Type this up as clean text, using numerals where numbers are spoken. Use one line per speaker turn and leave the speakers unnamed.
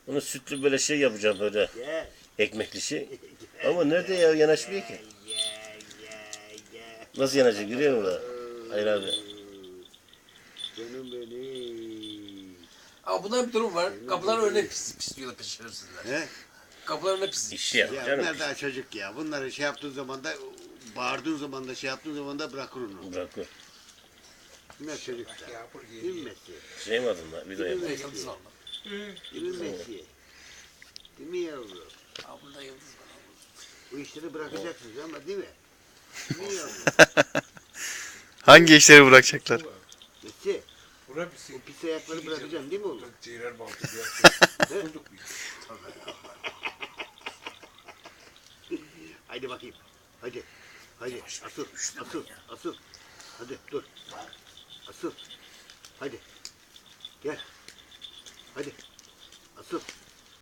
Onu sütlü böyle şey yapacağım böyle.
Gel.
Ekmekli şey. Ama nerede ya yanaşmıyor ki. Nasıl yanacak görüyor musun? Hayır abi.
Canım benim.
Ama bunda bir durum var. Kapıların önüne pisliyorlar şerefsizler.
He?
Kapıların önüne pis.
İş yap
Ya
canım.
bunlar daha çocuk ya. Bunları şey yaptığın zaman da bağırdığın zaman da şey yaptığın zaman da bırakır onu.
Bırakıyor.
Bunlar çocuk da. Değil mi Messi?
Şey mi adın lan? Video yapma.
Yıldız var mı?
Değil mi Messi? Değil mi yavrum?
Aa, bunda yıldız var.
Bu işleri bırakacaksınız ama değil mi? Değil mi yavrum?
Hangi işleri bırakacaklar?
Messi,
Bura
o
bir
pis ayakları bırakacaksın değil mi oğlum?
ciğer baltı bir yaptı. Bulduk biz.
Haydi bakayım. Hadi. Hadi. Asıl. Asıl. Asıl. Hadi dur. Asıl. Hadi. Gel. Hadi. Asıl.